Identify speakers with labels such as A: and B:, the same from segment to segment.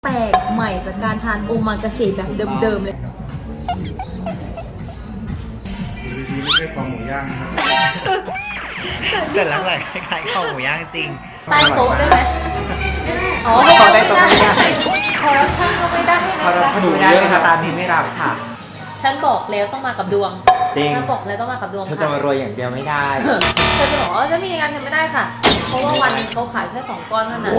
A: แปลกใหม่จากการทานโอมากาเสะแบบเดิมๆเลย
B: ดีๆไม่ใช่คอหมูย่างนะครับ
C: แต่ลักษณะคล้ายๆข้าวหมูย่างจริง
A: ใต้โต๊ะได้ไหมไม่ได้อ๋อ
C: ขอได้โต๊ะไม่ได้
A: คอร์รัปชันก็ไม่ได้
C: พอเรา
A: นะคะ
C: สนุกไม่ได้นะคะตามนี้ไม่รับค่ะ
A: ฉันบอกแล้วต้องมากับดวง
C: จริง
A: ฉันบอกแล้วต้องมากับดวง
C: ฉัน
A: ค่ะ
C: จะมารวยอย่างเดียวไม่ได้
A: เธอจะบอกว่าจะมีงานทำไม่ได้ค่ะ เพราะว่าวันนึงเขาขายแค่2 ก้อนเท่านั้น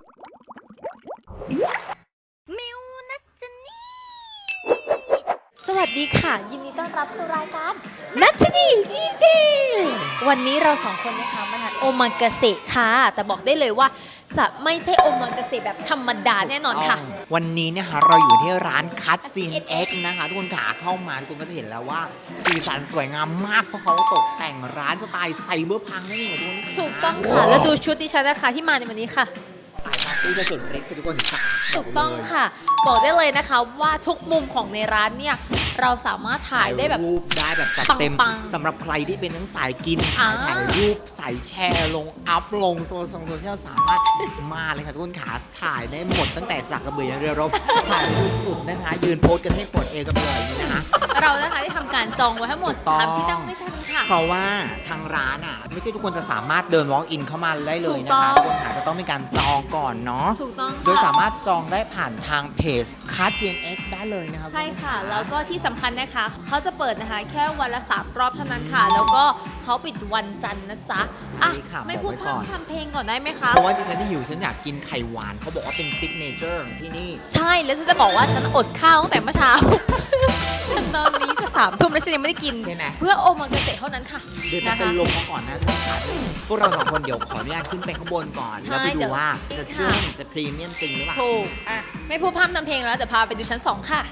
A: สวัสดีค่ะ ยินดีต้อนรับสู่รายการนัชนีชีเดวันนี้เรา2 คนนะคะมาทานโอมากาเสะค่ะแต่บอกได้เลยว่าจะไม่ใช่โอมากาเสะแบบธรรมดาแน่นอนค่ะ
C: วันนี้เนี่ยค่ะเราอยู่ที่ร้านคัตซีนเอ็กนะคะทุกคนขาเข้ามาทุกคนก็จะเห็นแล้วว่าสีสันสวยงามมากเพราะเขาตกแต่งร้านสไตล์ไซเบอร์พังนั่นเองทุกคนค่ะ
A: ถูกต้องค่ะ แล้วดูชุดดิฉันนะคะที่มาในวันนี้ค่ะ
C: สายปาร์ตี้จะสุดเล็กทุกคนขา
A: ถูกต้องค่ะ บอกได้เลยนะคะว่าทุกมุมของในร้านเนี่ยเราสามารถถ่ายได้แบบ
C: รูปได้แบบจัดเต็ม
A: ปังๆ
C: สำหรับใครที่เป็นทั้งสายกิน
A: อ่า
C: ถ่ายรูปใส่แชร์ลงอัพลงโซเชียลสามารถมาเลยค่ะทุกคนขาถ่ายได้หมดตั้งแต่สักกระเบือยันเรือรบถ่ายรูปสุดนะคะยืนโพสกันให้ปวดเอวกันไปเลยนี่นะคะ
A: เรานะคะได้ทำการจองไว้ทั้งหมด
C: ถูกต้อง
A: 3 ที่นั่งด้วยกันค่ะ
C: เพราะว่าทางร้านอ่ะไม่ใช่ทุกคนจะสามารถเดิน walk in เข้ามาได้เลยนะ
A: ถูกต้
C: คะ
A: อง
C: ทุกคนค่ะจะต้องมีการจองก่อนเนาะ
A: ถูกต้อง
C: โดย
A: ค่ะ
C: สามารถจองได้ผ่านทางเพจคัส GNX ได้เลยนะครับ
A: ใช่ค่ะ แล้วก็ที่สำคัญนะคะเขาจะเปิดนะคะแค่วันละ3 รอบเท่านั้นค่ะ แล้วก็เขาปิดวันจันทร์นะจ๊ะอ่ะ
C: นี่ค่ะ
A: ไม่
C: บอก
A: พูด
C: ไว้
A: พ
C: ก่อน
A: ร่ำทำเพลงก่อนได้ไหมคะ
C: เพราะว่าดิฉันที่หิวฉันอยากกินไข่หวานเขาบอกว่าเป็นซิกเนเจอร์ของที่นี่
A: ใช่แล้วฉันจะบอกว่าฉันอดข้าวตั้งแต่เมื่อเช้า จนตอนนี้จะ3 ทุ่มแล้วฉันยังไม่ได้กิน
C: ใช่ไหม
A: เพื่อโอมากาเสะเท่านั้นค่ะ
C: เดี๋ยวจะ
A: นะ
C: เป็น
A: คะ
C: ลมมาก่อนนะทุกท่านพวกเรา2 คนเดี๋ยวขออนุญาตขึ้นไปข้างบนก่อน
A: ใช่
C: แล้วไป
A: เดี๋
C: ดู
A: ยว
C: ว่าจะ
A: ค่ะ
C: จะพรีเมียมจริงหรือเปล่า
A: ถูกอ่ะไม่พูดพร่ำทำเพลงแล้วเดี๋ยวพาไปดูชั้น 2 ค่ะ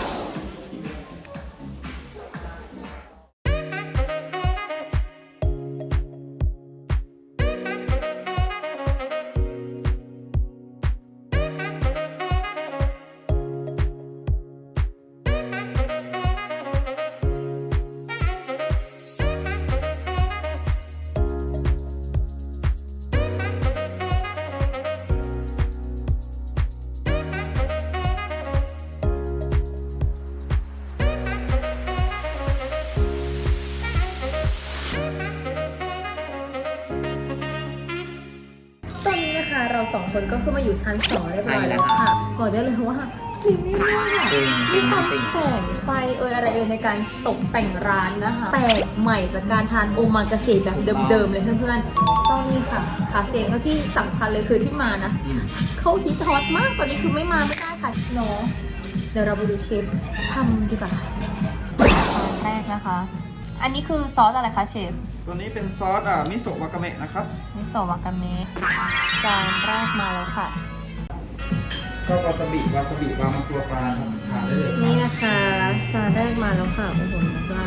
A: ตอนนี้นะคะเรา2 คนก็ขึ้นมาอยู่ชั้น 2เรียบร้อยแล้วค่ะบอกได้เลยว่าพรีเมียมมาก
C: จริง
A: มีความแสงไฟอะไรในการตกแต่งร้านนะคะแปลกใหม่จากการทานโอมากาเสะแบบเดิมๆเลยเพื่อนๆต้องนี่ค่ะคาเซ่ก็ที่สำคัญเลยคือที่มานะเขาฮิตฮอตมากตอนนี้คือไม่มาไม่ได้ค่ะเนาะเดี๋ยวเราไปดูเชฟทำดีกว่าแรกนะคะ อันนี้คือซอสอะไรคะเชฟ
B: ตัวนี้เป็นซอสมิโซะวากาเมะนะครับ
A: มิโซะวากาเมะจานแรกมาแล้วค่ะ
B: ก็วาซาบิวางมาตัวปลาครับทานได้เลย
A: นี่นะคะจานแรกมาแล้วค่ะโอ้โหนักล่า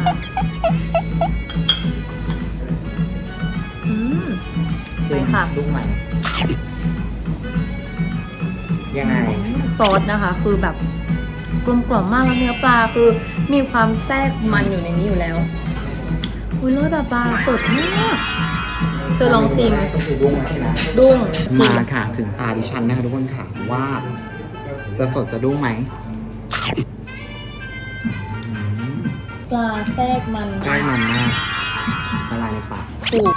A: ไปค่ะ
C: ลูกใหม่ยังไง
A: ซอสนะคะ คือแบบกลมกล่อมมากแล้วเนื้อปลาคือมีความแทรกมันอยู่ในนี้อยู่แล้วอุ้ยรสแบบปลาสดมากเธอลองชิม
C: ก็คือดุ้งใช่ไหม
A: ดุ้งชิม
C: มาค่ะถึงตาดิฉันนะคะทุกคนค่ะว่าจะสดจะดุ้งไหม
A: ปลาแทรกมัน
C: ใกล้มันมากละลายในปาก
A: ถูก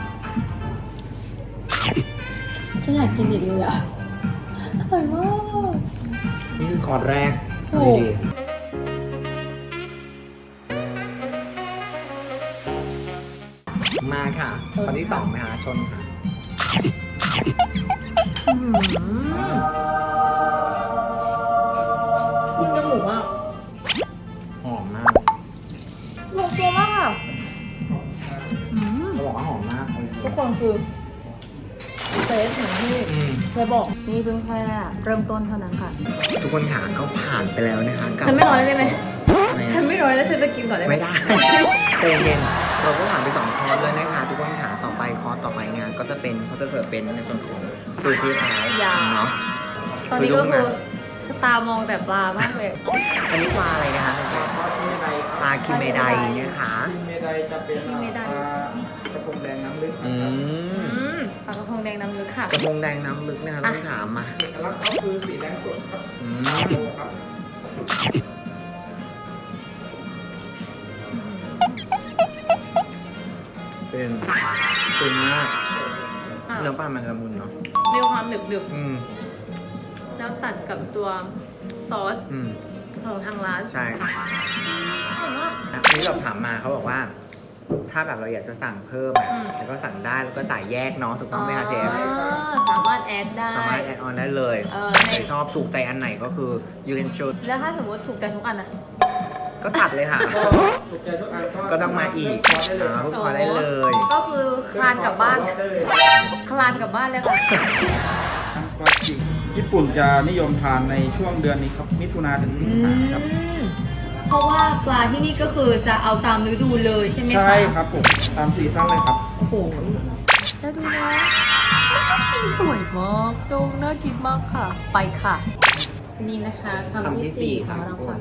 A: ฉันอยากกินอีกเลยอ่ะอร่อยมาก
C: นี่คือคอร์สแรก
A: ถูก
C: ดีๆมาค่ะคอร์สที่2นะคะชนค่ะ
A: คุณจมูกอ่ะ
C: หอมมาก
A: ลงตัวมากค่ะ
C: เขาบอกว่าหอมมาก
A: ทุกคนคือเฟสเหมือนที่ เคยบอกนี่เพิ่งแค่เริ่มต้นเท่านั้นค่ะ
C: ทุกคนค่ะก็ผ่านไปแล้วนะคะกับ
A: ฉันไม่ร้อยได้ไหม
C: ไม่
A: ฉันไม่ร้อยแล้วฉันจะกินก่อนได้ไหม
C: ไม่ได้ ใจเย็นๆเราก็ผ่านไป2 คอร์สเลยนะคะทุกคนค่ะต่อไปคอร์สต่อไปงานก็จะเป็นเขาจะเสิร์ฟเป็นในส่วนของซูชิไทยเนาะ
A: ตอนนี้ก็คือตามองแต่ปลามากเลย
C: อันนี้ปลาอะไรนะคะ
B: ซอสคิเมได
C: ปลาคิมเมไดเนี่ยค่ะ
B: คิเมไดจะเป็น
A: คิเมได
B: ปลากระพงแดงน้ำลึก
C: อื
B: นะครับ
C: ม
A: ปลากระพงแดงน้ำลึกค่ะ
C: กระพงแดงน้ำลึกนะคะต้องถามมา
B: เอกลักษณ์เขาคือสีแดงสดครับ
C: อืม
B: โลครับ
C: เป็นมากเนื้อปลามันละมุนเนาะ
A: มีความหนึบ
C: อืม
A: ๆแล้วตัดกับตัวซอส
C: อืม
A: ของทางร้าน
C: ใช่
A: อร่อยมาก
C: อันนี้เราถามมาเขาบอกว่า ถ้าแบบเราอยากจะสั่งเพิ่มอะ
A: อืม
C: แล้วก็สั่งได้แล้วก็จ่ายแยกเนาะถูกต้องไหมคะเชฟ
A: สามารถแอดได้
C: สามารถแอดออนได้เลย ใครชอบถูกใจอันไหนก็คือ you can choose
A: แล้วถ้าสมมติถูกใจทุกอันอะ
C: ก็ตัดเลยค่ะ
B: ก็ถูกใจทุกอัน
C: ก็ต้องมาอีก
B: เพิ่มคอร์สได้เลย
C: ลูกค้าได้เลย
A: ก็คือคลานกลับบ้าน
B: ได้เลย
A: คลานกลับบ้านเลยค่ะ
B: ปลาจิกญี่ปุ่นจะนิยมทานในช่วงเดือนนี้ครับมิถุนาถึงสิงหาครับ
A: เพราะว่าปลาที่นี่ก็คือจะเอาตามฤดูเลยใช่ไหมคะ
B: ใช่ครับผมตามซีซั่นเลยครับ
A: โอ้โห แล้วดูนะสวยมากดงน่ากินมากค่ะ ไปค่ะ นี่นะคะคำที่สี่ของเราค่ะ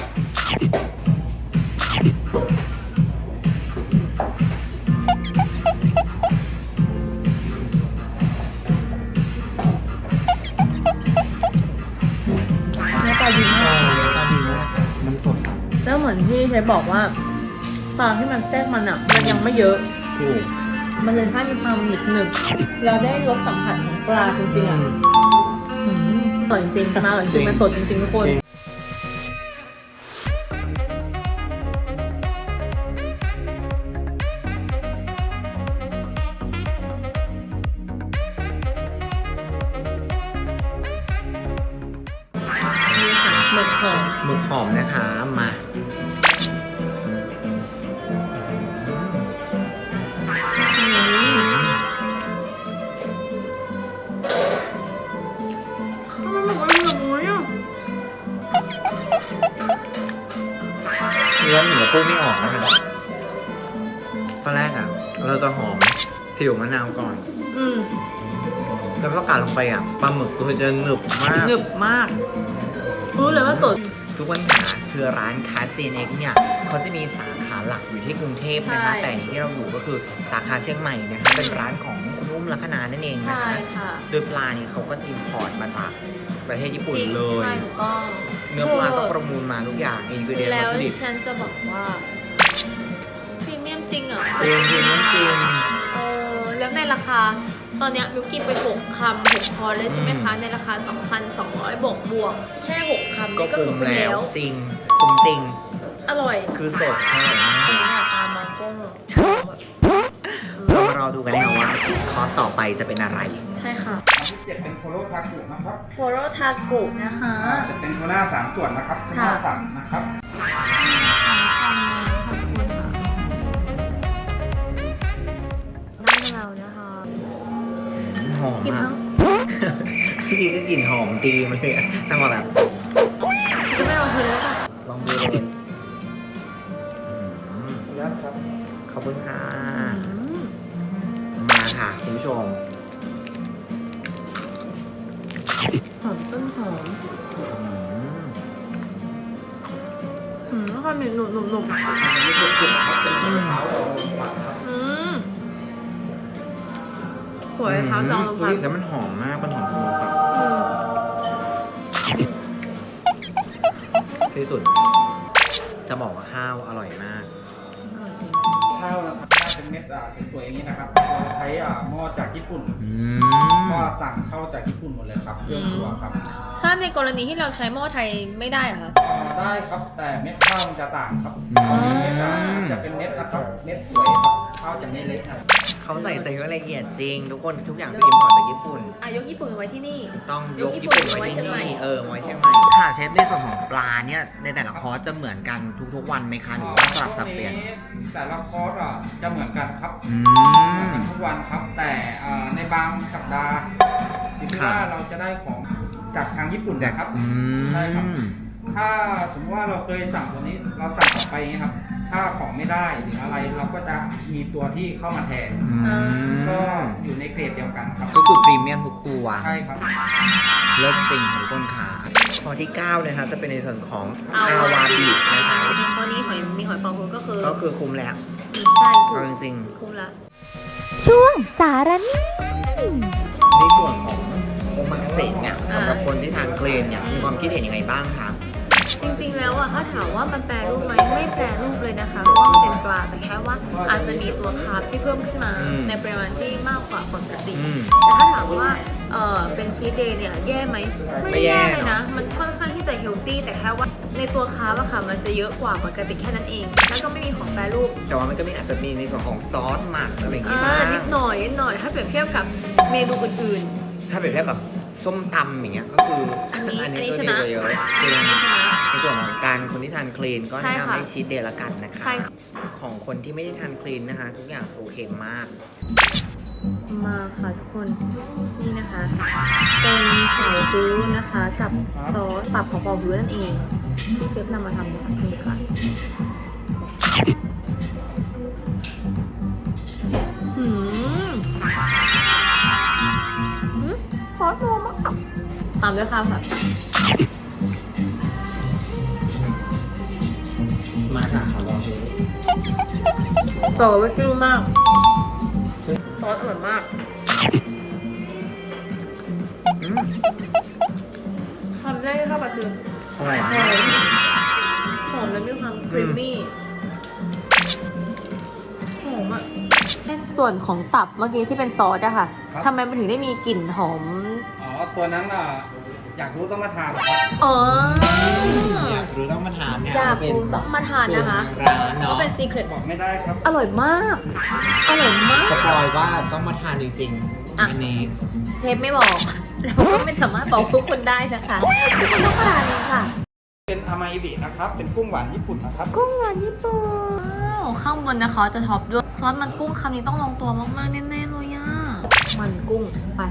A: เนื้อปลาดีมาก
C: มันสด
A: แล้วเหมือนที่เชฟบอกว่าปลาที่มันแทรกมันอ่ะ มันยังไม่เยอะ
C: ถูก
A: มันเลยให้มีความหนึบๆเราได้รสสัมผัสของปลาจริงๆอ่ะอร่อยจริงๆมาอร่อยจริงๆมันสดจริงๆทุกคน นี่ค่ะหมึกหอม
C: หมึกหอมนะคะมา
A: ทำไมหมึกมันแบบนี้อ่ะ
C: เนื้อหมูปูไม่ออกนะคะตอนแรกอ่ะ เราจะหอมผิวมะนาวก่อน
A: อืม
C: แล้วพอกัดลงไปอ่ะปลาหมึกตัวจะหนึบมาก
A: หนึบมาก รู้เลยว่าสด
C: ทุกคนค่ะคือร้านคาเซนเอ็กเนี่ยเขาจะมีสาขาหลักอยู่ที่กรุงเทพนะคะ
A: ใช่
C: แต่ที่เราอยู่ก็คือสาขาเชียงใหม่นะคะเป็นร้านของคุณอุ้มลัคนานั่นเองนะ
A: ใช่
C: คะ
A: ค่ะ
C: โดยปลาเนี่ยเขาก็จะอินพอร์ตมาจากประเทศญี่ปุ่น
A: จริง
C: เลย
A: ใช่ถูกต้อง
C: เนื้อปลาต้องประมูลมาทุกอย่างอินกิเดียน
A: แล้
C: วัต
A: ว
C: ถุดิบ
A: ฉันจะบอกว่าพรีเมียมจริงอ่ะ
C: จริงจริงจริง
A: แล้วในราคา ตอนเนี้ยมิวกินไป6คำ6คอร์สเลยใช่ไหมคะ ในราคา 2,200 บวกแค่6คำ
C: ก็
A: นี่ก็
C: คุ้
A: คือ
C: ม
A: คุ้ม
C: แล้
A: แล้ว ว
C: จริงคุ้มจริง
A: อร่อย
C: คือสดอร่อยมาก
A: อันนี้อะตามมองกล้องแบบ
C: เรามารอดูกันนะคะว่าคอร์สต่อไปจะเป็นอะไร
A: ใช่ค่ะ
B: อันที่7เป็นโคโรทากุนะครับ
A: โชโรทากุนะคะ
B: จะเป็นโทน่า3ส่วนนะครับเป็น
A: ค่ะ
B: ข้าวสั่งนะครับ
A: ได้แล้วนะคะ
C: หอม
A: กิน
C: มา
A: ทั้
C: ก
A: ง
C: พี่ก็กลิ่นหอมตีมาเลยอะจังหวะแบบ
A: จะไม่ลองเธอเลยป่ะ
C: ลองดูเลยอืม
B: ขออนุญาตครับ
C: ขอบคุณค่ะ มาค่ะคุณผู้ชม
A: หอมต้นหอม
C: อืม
A: ความหนุ่มหนุ่มหนุ่ม
B: อันนี้เป็นกลุ่มครับเป็นมะพร้าวดองหวานครับ
A: หัวไชเท้าจองลง
C: อุ๊
A: พั
C: ย
A: ก
C: แล้วมันหอมมาก มันหอมสมุนไพรที่สุด จะบอกว่าข้าวอร่อยมาก
B: ข้าวนะครับน่าเป็นเม็ดสวยๆอย่างนี้นะครับเราใช้หม้อจากญี่ปุ่น
C: อื
B: ก็
C: ม
B: สั่งเข้าจากญี่ปุ่นหมดเลยครับเครื่องครัวครับ
A: ถ้าในกรณีที่เราใช้หม้อไทยไม่ได้เหรอะคะ
B: ได้ครับแต่เม็ดข้าวมันจะต่างครับ
C: อืม
B: เม็ดจะเป็นเม็ดนะครับเม็ดสวยครับข้าวจะไม่เล็กครับ
C: เขาใส่ใจละเอียดจริง ทุกคนทุกอย่างคืออิมพอร์ตจากญี่ปุ่น
A: ยกญี่ปุ่นไว้ที่นี่
C: ต้องยก
A: ยกญี่
C: ญี่
A: ปุ่
C: ปุ่
A: น
C: นไว้ที่
A: ไว้เชียงใหม่
C: นี่ไว้เชียงใหม่ค่ะเชฟในส่วนของปลาเนี่ยในแต่ละคอร์สจะเหมือนกันทุกๆวันไหมคะหรือว่าสลับสับเปลี่ยน
B: แต่ละคอร์สจะเหมือนกันครับ
C: อื
B: เหมือน
C: ม
B: กันทุกวันครับ แต่ในบางสัปดาห์ที่
C: ครับ
B: ว่าเราจะได้ของจากทางญี่ปุ่นนะครับ
C: อืม
B: ใช่ครับ ถ้าสมมติว่าเราเคยสั่งตัวนี้เราสั่งต่อไปอย่างนี้ครับ ถ้าของไม่ได้หรืออะไรเราก็จะมีตัวที่เข้ามาแทน
C: อืม
B: ก็อยู่ในเกรดเดียวกันครับ
C: ก็คือพรีเมียมทุกตัว
B: ใช่ครับ
C: เลิศจริงของต้นขาข้อที่ 9 นะคะจะเป็นในส่วนของ
A: เอา
C: อาวาบินะคะ
A: ข้อนี้มีหอยปองคือก็คือ
C: ก็คือคุ้มแล้ว
A: ใช่ถู
C: เอา
A: ก
C: จริง
A: คุ้มละ
C: ๆ
A: ช่วงสารนิ่
C: ในส่วนของโอมากาเสะเนี่ยสำหรับคนที่ทานคลีนเนี่ยมีความคิดเห็นยังไงบ้างคะ
A: จริงๆ แล้วอะถ้าถามว่ามันแปรรูปไหมไม่แปรรูปเลยนะคะเพราะว่ามันเป็นปลาแต่แค่ว่าอาจจะมีตัวคาร์บที่เพิ่มขึ้นมาในปริมาณที่มากกว่าปกติแต่ถ้าถามว่าเป็นชีสเดย์เนี่ยแย่ไหมไม่แย่เลยนะมันค่อนข้างที่จะเฮลตี้แต่แค่ว่าในตัวคาร์บอะค่ะมันจะเยอะกว่าปกติแค่นั้นเองแล้วก็ไม่มีของแปรรูป
C: แต่ว่ามันก็มีอาจจะมีในส่วนของซอสหมักอะไรอย่างงี้บ้าง
A: นิดหน่อยถ้าเปรียบเทียบกับเมนูอื่น
C: ถ้าเปรียบเทียบกับส้มตำอย่างเงี้ยก็คือ
A: อันนี้
C: ก็
A: ช
C: ดี
A: นะ
C: กว่าเยอะคือในส่วนของการคนที่ทานคลีนก็
A: ใช่
C: แนะ
A: ค่ะ
C: นำให้ชีสเดย์ละกันนะคะ
A: ใช่ค่ะ
C: ของคนที่ไม่ได้ทานคลีนนะคะ ทุกอย่างโอเคมาก
A: ๆมาค่ะทุกคนนี่นะคะเป็นเผาฮื้อนะคะกับซอสปรับของเผาฮื้อนั่นเองที่เชฟนำมาทำเนี่ยนี่ค่ะหืมซอสโมมากตามด้วยข้าวค่ะ
C: มาค่ะขอลองดู
A: ซอสเวกิ้งมากซอสอร่อยมาก ทำได้ข้าวปลาทู
C: อร่อย
A: ห
C: มาก
A: อมแล้วมีความครีมมี่หอมอ่ะส่วนของตับเมื่อกี้ที่เป็นซอสอะค่ะทำไมมันถึงได้มีกลิ่นหอม
B: อ๋อตัวนั้นอยากรู้ต้องมาทานครับ
A: อ๋อ
C: อยากรู้ต้องมาทานเนี่ย
A: อยาก
C: เป็น
A: รู้ต้องมาทานนะคะ
C: สูตรร้าน
A: ก็
C: เนาะ
A: เป็นซีเครต
B: บอกไม่ได้ครับ
A: อร่อยมาก อร่อยมาก
C: สปอยว่าต้องมาทานจริง
A: อ่ะ
C: ๆอันนี้
A: เชฟไม่บอกเราก็ไม่สามารถบอกทุกคนได้นะคะทุกคนต้องมาทานเองค่ะ
B: เป็นอามาอิบินะครับ เป็นกุ้งหวานญี่ปุ่นนะครับ
A: กุ้งหวานญี่ปุ่นข้างบนนะคะจะท็อปด้วยซอสมันกุ้งคำนี้ต้องลงตัวมากๆแน่ๆเลยอ่ะมันกุ้งไป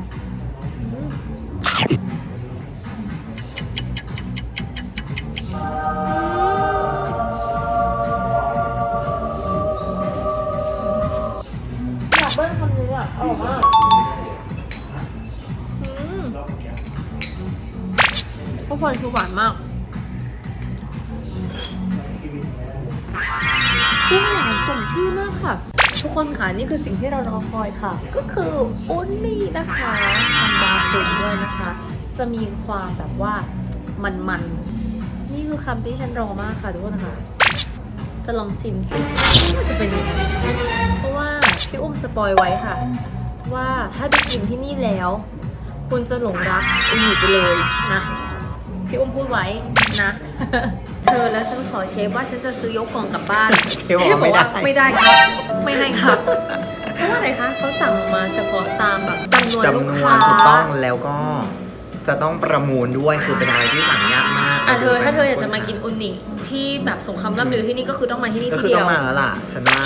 A: อยากเบิ้ลคำนี้อ่ะอร่อยมากทุกคนคือหวานมากกุ้งหวานสมชื่อมากค่ะ ทุกคนค่ะนี่คือสิ่งที่เรารอคอยค่ะ ก็คืออุนนี่นะคะทำบาคุนด้วยนะคะ จะมีความแบบว่ามันๆนี่คือคำที่ฉันรอมากค่ะทุกคนค่ะจะลองชิมสิว่าจะเป็นยังไงเพราะว่าพี่อุ้มสปอยไว้ค่ะ ว่าถ้าได้กินที่นี่แล้ว คุณจะหลงรักอุนนี่ไปเลยนะพี่อุ้มพูดไว้นะ เธอแล้วฉันขอเชฟว่าฉันจะซื้อยกกล่องกลับบ้าน
C: เชฟบอกว่าไม่ได้
A: ไม่ได้ครับ ไม่ให้ครับ เพราะว่าอะไรคะเขาสั่งมาเฉพาะตามแบบจำนวนลูก
C: จำนว
A: ค้าน
C: ถูกต้องแล้วก็จะต้องประมูลด้วยคือเป็นอะไรที่สั่งยากมาก
A: อ่ะเธอถ้าเธออยากจะมากินอุนิที่แบบสงครามล่ำลือที่นี่ก็คือต้องมาที่นี่
C: ก็
A: ที่
C: คือ
A: เดี
C: ต้
A: ย
C: อง
A: ว
C: มาแล้วล่ะฉันว่า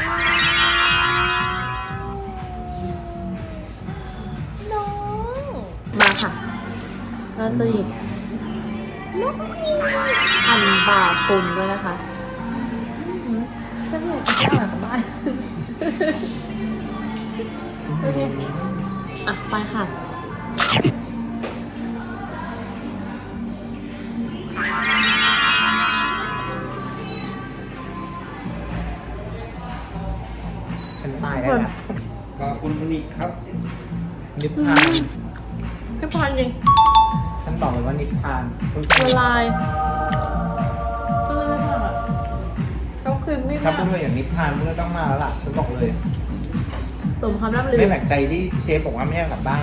A: มาค่ะ เราจะหยิบนกนี่พันบาคุนด้วยนะคะฉันไม่อยากกินข้าวกลับบ้านโอเคอ่ะไปค่ะ
C: ฉันตายได้แล้ว
B: ก็คุณอุนิครับ
C: นิพพาน
A: พี่พรจริง
C: ฉันบอกเลยว่านิพพาน
A: ละลายละลายมากอ่ะเขาคือไม่
C: ถ้า
A: มา
C: พูด
A: ก
C: ว่าอย่างนิพพานมันก็ต้องมาแล้วล่ะฉันบอกเลย
A: สมคำร่ำลือ
C: ไม่แปลกใจที่เชฟบอกว่าไม่ให้กลับบ้าน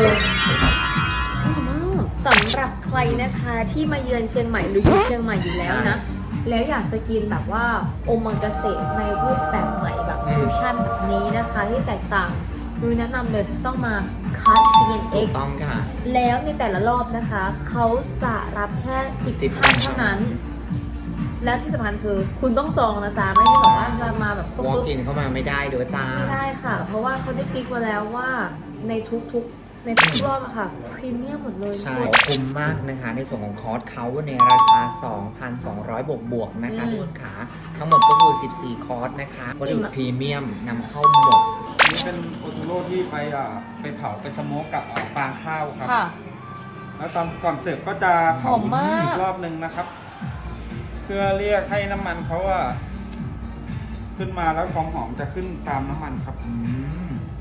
A: สำหรับใครนะคะที่มาเยือนเชียงใหม่หรืออยู่เชียงใหม่อยู่แล้วนะ แล้วอยากจะกินแบบว่าโอมังกาเสะในรูปแบบใหม่แบบฟิวชั่นแบบนี้นะคะ ที่แตกต่างนุ้ยแนะนำเลยต้องมาคัส CNX
C: ถูกต้องค่ะ
A: แล้วในแต่ละรอบนะคะ เขาจะรับแค่10ท่านเท่านั้น และที่สำคัญคือคุณต้องจองนะจ๊ะไม่ใช่แบบว่าจะมาแบบปุ๊
C: walk
A: บ
C: in เข้ามาไม่ได้ด้วยจ้า
A: ไม่ได้ค่ะ เพราะว่าเขาได้ฟิกมาแล้วว่าในทุกรอบอะค่ะพรีเมียมหมดเลย
C: ใช่คุ้มมากนะคะ ในส่วนของคอร์สเขาในราคา 2,200 บวกๆนะคะทุกคนขาทั้งหมดก็คือ 14 คอร์สนะคะวัตถุดิบพรีเมียมนำเข้าหมด
B: นี่เป็นโอโทโร่ที่ไปเผาไปสโมกกับฟางข้าวครับ
A: ค่ะ
B: แล้วตอนก่อนเสิร์ฟก็จะเผา
A: หอมมาก
B: อีกรอบนึงนะครับ เพื่อเรียกให้น้ำมันเขาขึ้นมาแล้วความหอมจะขึ้นตามน้ำมันครับ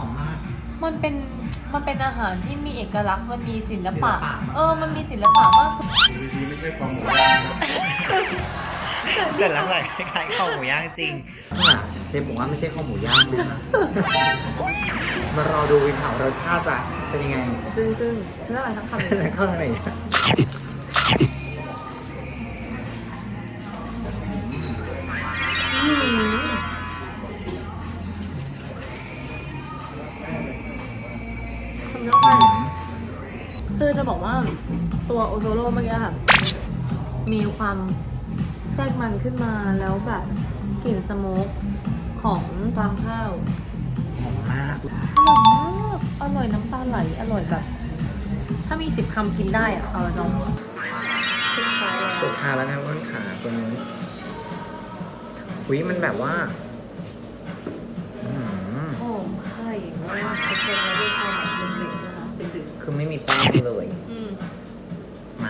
C: อมมาก
A: มันเป็นอาหารที่มีเอกลักษณ์มันมีศิลปะ
C: ศิลปะ
A: มันมีศิลปะมาก
B: ดีๆไม่ใช่ความหมูย่างนะ
C: แต่ลักษณะคล้ายๆข้าวหมูย่างจริงเชฟบอกว่าไม่ใช่ข้าวหมูย่างนะมารอดูวินเผารสชาติจะเป็นยังไง
A: ซึ่งฉันอะไรทั้งคำเลย
C: แต่เข้าทางไหน
A: คำเยอะไปคือจะบอกว่าตัวโอโทโร่เมื่อกี้ค่ะ มีความแทรกมันขึ้นมาแล้วแบบกลิ่นสโมกของฟางข้าว
C: หอมมาก
A: อร่อยมากอร่อยน้ำตาไหลอร่อยแบบ ถ้ามี10 คำกินได้อะเอาละน้องสุดท้ายแล้ว
C: สุดท้ายแล้วนะต้นขาตัวนี้อุ้ยมันแบบว่าอื้อหือ
A: หอมไข่มากทุกคนแล้วด้วยความแบบเล็กๆนะคะดึก
C: คือไม่มีแป้งเลย
A: ๆ
C: มา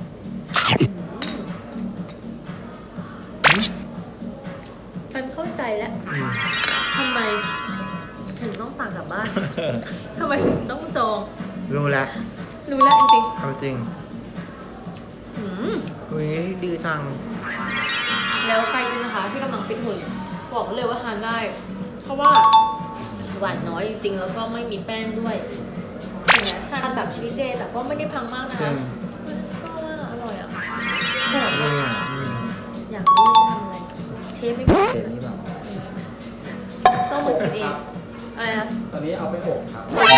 A: ฉันเข้าใจแล้วทำไมถึงต้องสั่งกลับบ้านทำไมถึงต้องจอง
C: รู้แล้ว
A: รู้แล้วจริง
C: เอาจริง
A: ๆ
C: อุ้ยดีจัง
A: แล้วใครนะคะที่กำลังฟิตหุ่นบอกเลยว่าทานได้ เพราะว่าหวานน้อยจริงๆ แล้วก็ไม่มีแป้งด้วยเห็นไหมทานแบบชีสเดย์แต่ก็ไม่ได้พังมากนะคะก็ว่าอร่อยอ่ะแต่
C: นี่อ่ะ
A: อยากรู้ทำอะไรเชฟไม่บอก
C: เสร็จนี่แบบ
A: ต้องเหมือนกินเองอะไรนะ
B: ตอนนี้เอาไปอบครับ
A: ทุกคน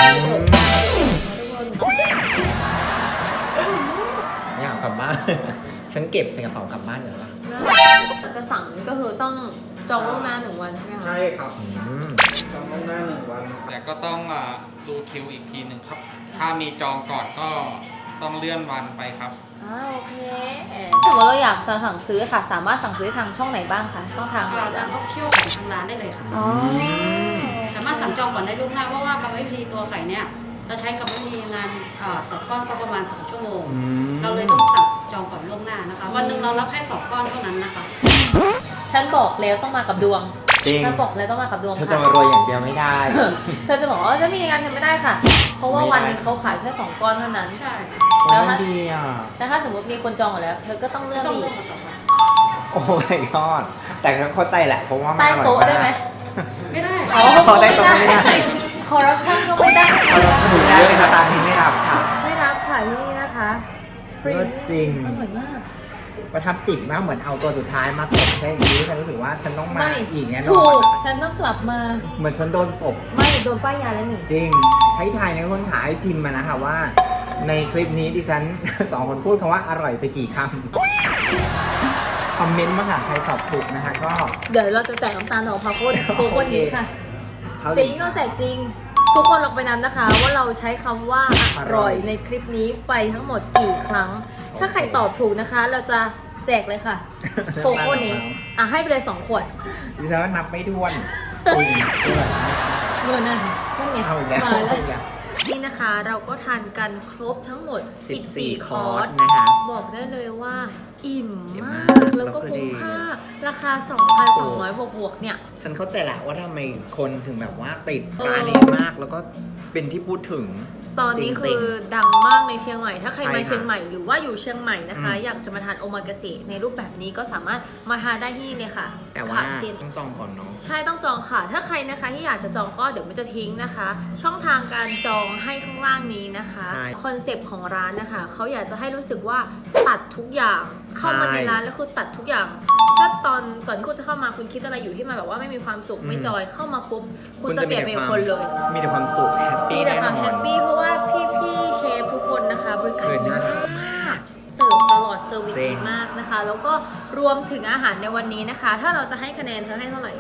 C: อยากกลับบ้าน ฉันเก็บใส่กระเป๋ากลับบ้านเหรอวะ
A: จะสั่งก็คือต้องจองล่วงหน้า1 วันใช่ไหมคะ
B: ใช่ครับ
C: อืม
B: จองล่วงหน้า1 วัน แต่ก็ต้องดูคิวอีกทีหนึ่งครับ ถ้ามีจองก่อนก็ต้องเลื่อนวันไปครับ
A: โอเคสมมติเราอยากสั่งซื้อค่ะ สามารถสั่งซื้อทางช่องไหนบ้างคะช่องทางไหน
D: ทา
A: บ้าง ง
D: ออฟฟิเชียลของทางร้านได้เลยค่ะ
A: อ๋อ
D: สามารถสั่งจองก่อนได้ล่วงหน้าเพราะว่ากรรมวิธีตัวไข่เนี่ยเราใช้กรรมวิธีงานต่อก้อนก็ประมาณ2 ชั่วโมง เราเลยต้องสั่งจองก่อนล่วงหน้านะคะ วันหนึ่งเรารับแค่2 ก้อนเท่านั้นนะคะ
A: ฉันบอกแล้วต้องมากับดวง
C: จริง
A: ฉันบอกแล้วต้องมากับดวง
C: เธอ
A: ค่ะ
C: จะมารวยอย่างเดียวไม่ได้
A: เธอจะบอกว่าจะมีงานทำไม่ได้ค่ะ เพราะว่า
C: ไม่ได้
A: วันหนึงเขาขายแค่2 ก้อนเท่านั้น
D: ใช่
C: โอ้ยมันดีอ่ะ
A: แต่ถ้าสมมติมีคนจองหมดแล้ว เธอก็ต้องเลือก
D: ต้อง
A: อี
D: เลือก
A: ก
D: มาต่อไป
C: โอ้ my god แต่ก็เข้าใจแหละเพราะว่ามัน
A: ใต้
C: อร่อย
A: โต๊ะ
C: มาก
A: ได้ไหม
D: ไม่ได้
A: อ๋อ
C: ใต้โต๊ะไม่ได้
A: คอร์รัปชันก็ไม่ได้
C: เอาลองสนุกได้ไหมคะตามนี้ไม่รับค่ะ
A: ไม่รับค่ะที่นี่นะคะ
C: เลิศจริง
A: อร่อยมาก
C: ประทับจิตมากเหมือนเอาตัวสุดท้ายมาตบแค่นี้ฉันรู้สึกว่าฉันต้องมา
A: ไม่
C: อีกแน่น
A: ถู
C: อน
A: กฉันต้องกลับมา
C: เหมือนฉันโดนตบ
A: ไม่โดนป้ายยาแล้วหนึ่ง
C: จริง ให้ทายในคนขายพิมพ์มานะคะว่า ในคลิปนี้ดิฉัน 2 คนพูดคำว่าอร่อยไปกี่คำคอมเมนต์มาค่ะใครตอบถูกนะคะ ก็
A: เดี๋ยวเราจะแจกน้ำตาลดอกพาโคตรโคคนนี้ค่ะ
C: เขา
A: จริงก็แจกจริง ทุกคนลองไปนับนะคะ ว่าเราใช้คำว่าอร่อยในคลิปนี้ไปทั้งหมดกี่ครั้ง ถ้าใครตอบถูกนะคะ เราจะแจกเลยค่ะโคโค่นี้ให้ไปเลย2 ขวด
C: ดิฉันว่านับไม่ถ้วนจริงเลย
A: เงินนั่นไง
C: เอาอีกแล้ว
A: มา
C: เอา
A: แล้ว
C: อีกแล้ว
A: นี่นะคะเราก็ทานกันครบทั้งหมด 14 คอร์ส
C: นะคะ
A: บอกได้เลยว่าอิ่ม
C: อิ่ม
A: มาม
C: าก
A: ก แล้วก็
C: แล้วก็
A: คุ้ม
C: ดี
A: ค่า ราคา 2,200 บวกๆเนี่ย
C: ฉันเข้าใจแหละว่าทำไมคนถึงแบบว่าติด
A: เออ
C: ร้านนี้มาก แล้วก็เป็นที่พูดถึง
A: ตอนนี้
C: จริ
A: คื
C: ง
A: อ
C: ๆ
A: ดังมากในเชียงใหม่ ถ้าใคร
C: ใช่
A: มา
C: ค่ะ
A: เชียงใหม่หรือว่าอยู่เชียงใหม่นะคะ
C: อืม
A: อยากจะมาทานโอมากาเสะในรูปแบบนี้ก็สามารถมาทานได้ที่นี่เลยค่ะ
C: แต่ว่า
A: ขาเซ็น
C: ต้องจองก่อนเนาะ
A: ใช่ต้องจองค่ะ ถ้าใครนะคะที่อยากจะจองก็เดี๋ยวมันจะทิ้งนะคะ ช่องทางการจองให้ข้างล่างนี้นะคะ
C: ใช่
A: คอนเซปต์ของร้านนะคะเขาอยากจะให้รู้สึกว่าตัดทุกอย่างเข้ามาในร้านแล้วคือตัดทุกอย่าง ถ้าตอนก่อนที่คุณจะเข้ามาคุณคิดอะไรอยู่ที่มันแบบว่าไม่มีความสุขไม่จอยเข้ามาปุ๊บคุณจะเปลี่ยนเป็นคนเลย
C: มีแต่ความสุขแฮปปี้
A: มีแต่
C: แน่
A: ความ
C: นอ
A: แฮ
C: น
A: ปปี้เพราะว่าพี่ๆเชฟทุกคนนะคะบริการ
C: เออ
A: ดี
C: น่ารัก
A: มากเสิร์ฟตลอดเซอร์วิส
C: จริ
A: ดี
C: ง
A: มากนะคะ แล้วก็รวมถึงอาหารในวันนี้นะคะ ถ้าเราจะให้คะแนนเธอให้เท่าไหร่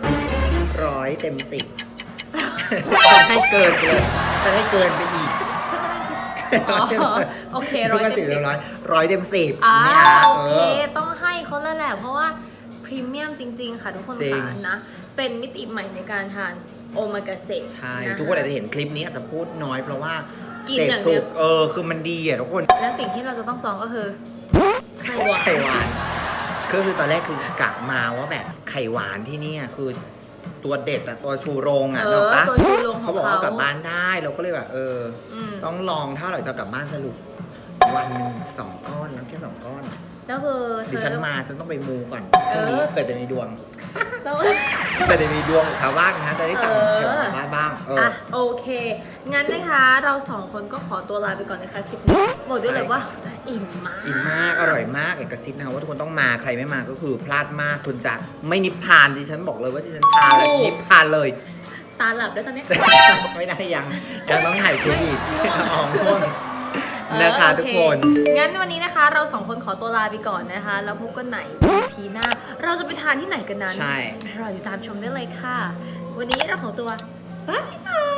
C: 100 เต็ม 10ฉันให้เกินไปเลยฉันให้เกินไปอีก
A: ฉันก็ได้คิดอ๋อโอเค
C: ร้อย
A: 100 เต็ม
C: เต็ม
A: 10
C: ร้อยเต็ม10
A: อ่า
C: เนี่ย
A: โอ
C: เอ
A: เค
C: อ
A: ต้องให้เขาแล้วแหละ เพราะว่าพรีเมียมจริง ๆ ค่ะทุกคน
C: จริง
A: ค่ะนะ เป็นมิติใหม่ในการทานโอมากาเสะ
C: ใช่
A: ะะ
C: ทุกคนอาจจะเห็นคลิปนี้อาจจะพูดน้อยเพราะว่า
A: กิน
C: เสพ
A: อย่างเดี
C: สุ
A: ยว
C: กคือมันดีอ่ะทุกคน
A: และสิ่งที่เราจะต้องจองก็คือไข่หวาน
C: ไข่หวานก็คือตอนแรกคือกะมาว่าแบบไข่หวานที่เนี่ยคือตัวเด็ดอะตัวชูโรงอะ
A: เอ
C: เน
A: อ
C: อะปะ
A: ตัวชูโรงข
C: เขา
A: อง
C: บอก
A: เขา
C: ว่ากลับบ้านได้เราก็เลยแบบ
A: ม
C: ต้องลองถ้าเราจะกลับบ้านสรุปวันหนึ่ง2 ก้อนแล้วแค่ 2 ก้อน
A: แล้วคือเธ
C: ดิ
A: อ
C: ฉันมาฉันต้องไปมูก่อน
A: เออ
C: พรุ่งนี้เกิดจะมีดวง
A: แล้ว
C: เกิดจะมีดวงขาว่างนะจะได้สั่ง
A: เออ
C: เกี่ยวกับบ้านบ้าง
A: อ่ะโอเค งั้นนะคะเราสองคนก็ขอตัวลาไปก่อนนะคะคลิปนี้บอกได้เลยว่า อิ่มมาก
C: อิ่มมากอร่อยมากเอกสิทธิ์นะว่าทุกคนต้องมาใครไม่มาก็คือพลาดมากคุณจะไม่นิพพานดิฉันบอกเลยว่าดิฉันทานแล้วนิพพานเลย
A: ตาหลับด้วยตอนเนี้ย
C: ไม่ได้ยังต้องถ่ายคลิปอีกอ๋อง่วงนะคะ
A: โอ
C: ทุก
A: เค
C: คน
A: งั้นวันนี้นะคะ เราสองคนขอตัวลาไปก่อนนะคะ แล้วพบกันไหน EP หน้า เราจะไปทานที่ไหนกันนั้น
C: ใช่
A: รออยู่ตามชมได้เลยค่ะ วันนี้เราขอตัวบ๊ายบาย